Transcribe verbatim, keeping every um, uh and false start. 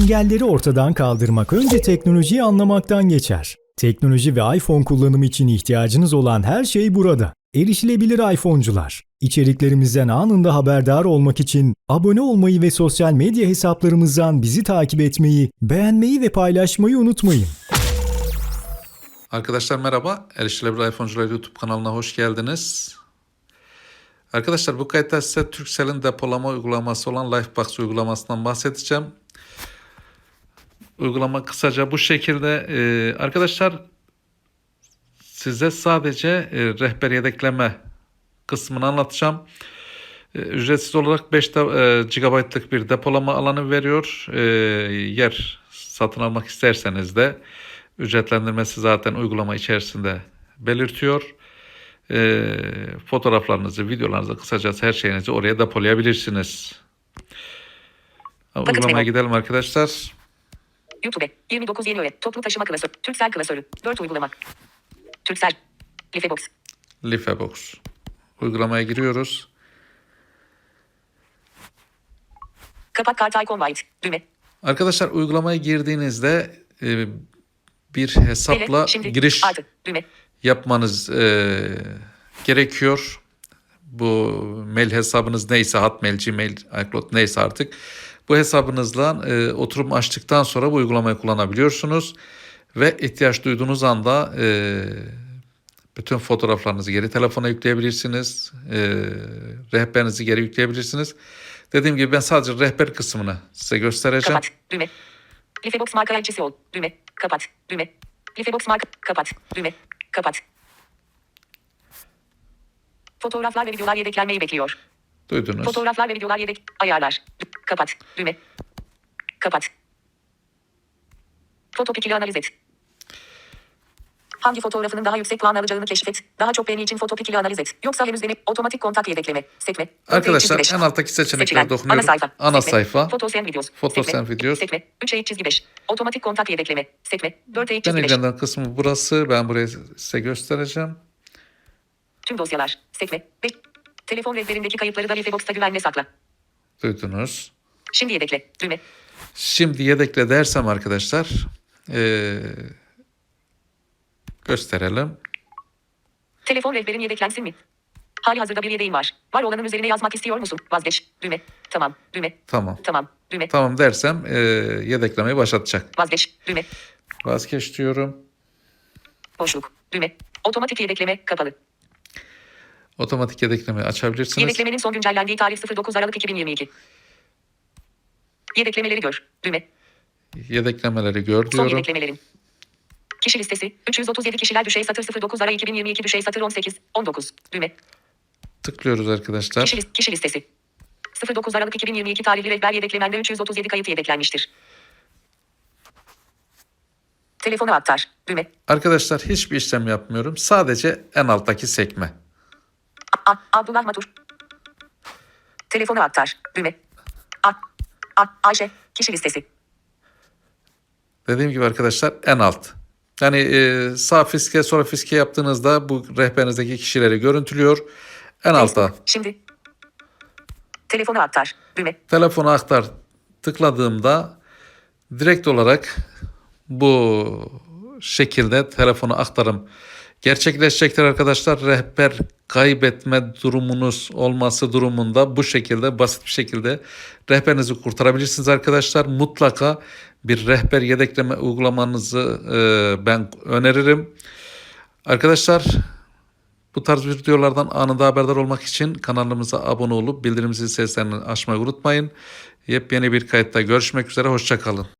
Engelleri ortadan kaldırmak önce teknolojiyi anlamaktan geçer. Teknoloji ve iPhone kullanımı için ihtiyacınız olan her şey burada. Erişilebilir iPhone'cular. İçeriklerimizden anında haberdar olmak için abone olmayı ve sosyal medya hesaplarımızdan bizi takip etmeyi, beğenmeyi ve paylaşmayı unutmayın. Arkadaşlar merhaba, Erişilebilir iPhone'cular YouTube kanalına hoş geldiniz. Arkadaşlar bu kayıtta size Turkcell'in depolama uygulaması olan Lifebox uygulamasından bahsedeceğim. Uygulama kısaca bu şekilde. Ee, arkadaşlar size sadece e, rehber yedekleme kısmını anlatacağım. E, ücretsiz olarak beş de, e, gigabaytlık bir depolama alanı veriyor. E, yer satın almak isterseniz de ücretlendirmesi zaten uygulama içerisinde belirtiyor. E, fotoğraflarınızı, videolarınızı, kısacası her şeyinizi oraya depolayabilirsiniz. Uygulamaya gidelim arkadaşlar. YouTube yirmi dokuz yeni öğret. Toplu taşıma klasörü. Turkcell klasörü. dört uygulama. Turkcell. Lifebox. Lifebox. Uygulamaya giriyoruz. Kapat kart icon white. Düğme. Arkadaşlar uygulamaya girdiğinizde e, bir hesapla Ele, şimdi, giriş artı, düğme. yapmanız e, gerekiyor. Bu mail hesabınız neyse, Hotmail, Gmail, iCloud neyse artık bu hesabınızla e, oturum açtıktan sonra bu uygulamayı kullanabiliyorsunuz ve ihtiyaç duyduğunuz anda e, bütün fotoğraflarınızı geri telefona yükleyebilirsiniz, e, rehberinizi geri yükleyebilirsiniz. Dediğim gibi ben sadece rehber kısmını size göstereceğim. Kapat. Düğme. Lifebox marka elçisi ol. Düğme. Kapat. Düğme. Lifebox marka. Kapat. Düğme. Kapat. Fotoğraflar ve videolar yedeklenmeyi bekliyor. Duydunuz. Fotoğraflar ve videolar yedek. Ayarlar. Kapat. Düğme. Kapat. Foto pikili analiz et. Hangi fotoğrafının daha yüksek puan alacağını keşfet. Daha çok beğeni için foto pikili analiz et. Yoksa henüz denip otomatik kontak yedekleme. Sekme. Arkadaşlar en alttaki seçeneklere dokunuyorum. Ana sayfa. Ana Sekme. sayfa. Fotos and videos. Fotos Sekme. and videos. Sekme. üç eğik çizgi beş. Otomatik kontak yedekleme. Sekme. dört eğik Ben çizgi beş. ilgilenen kısmı burası. Ben burayı size göstereceğim. Tüm dosyalar. Sekme. beş. Telefon rehberindeki kayıtları da Lifebox'ta güvenle sakla. Duydunuz. Şimdi yedekle. Düğme. Şimdi yedekle dersem arkadaşlar ee, gösterelim. Telefon rehberin yedeklensin mi? Hali hazırda bir yedeğin var. Var olanın üzerine yazmak istiyor musun? Vazgeç. Düğme. Tamam. Düğme. Tamam. Tamam. Düğme. Tamam dersem ee, yedeklemeyi başlatacak. Vazgeç. Düğme. Vazgeç diyorum. Boşluk. Düğme. Otomatik yedekleme kapalı. Otomatik yedeklemeyi açabilirsiniz. Yedeklemenin son güncellendiği tarih dokuz Aralık iki bin yirmi iki. Yedeklemeleri gör. Düğme. Yedeklemeleri gör Son diyorum. yedeklemelerin. Kişi listesi. üç yüz otuz yedi kişiler düşey satır dokuz Aralık iki bin yirmi iki düşey satır on sekiz on dokuz. Düğme. Tıklıyoruz arkadaşlar. Kişi, list, kişi listesi. dokuz Aralık iki bin yirmi iki tarihli rehber yedeklemende üç yüz otuz yedi kayıt yedeklenmiştir. Telefonu aktar. Düğme. Arkadaşlar hiçbir işlem yapmıyorum. Sadece en alttaki sekme. A, A, Abdullah Matur. Telefonu aktar. Düğme. A, A, Ayşe. Kişi listesi. Dediğim gibi arkadaşlar en alt. Yani e, sağ fiske sonra fiske yaptığınızda bu rehberinizdeki kişileri görüntülüyor. En altta. Şimdi. Telefonu aktar. Düğme. Telefonu aktar tıkladığımda direkt olarak bu şekilde telefonu aktarım gerçekleşecektir arkadaşlar. Rehber kaybetme durumunuz olması durumunda bu şekilde basit bir şekilde rehberinizi kurtarabilirsiniz arkadaşlar. Mutlaka bir rehber yedekleme uygulamanızı e, ben öneririm. Arkadaşlar bu tarz videolardan anında haberdar olmak için kanalımıza abone olup bildirim zil seslerini açmayı unutmayın. Yepyeni bir kayıtta görüşmek üzere. Hoşça kalın.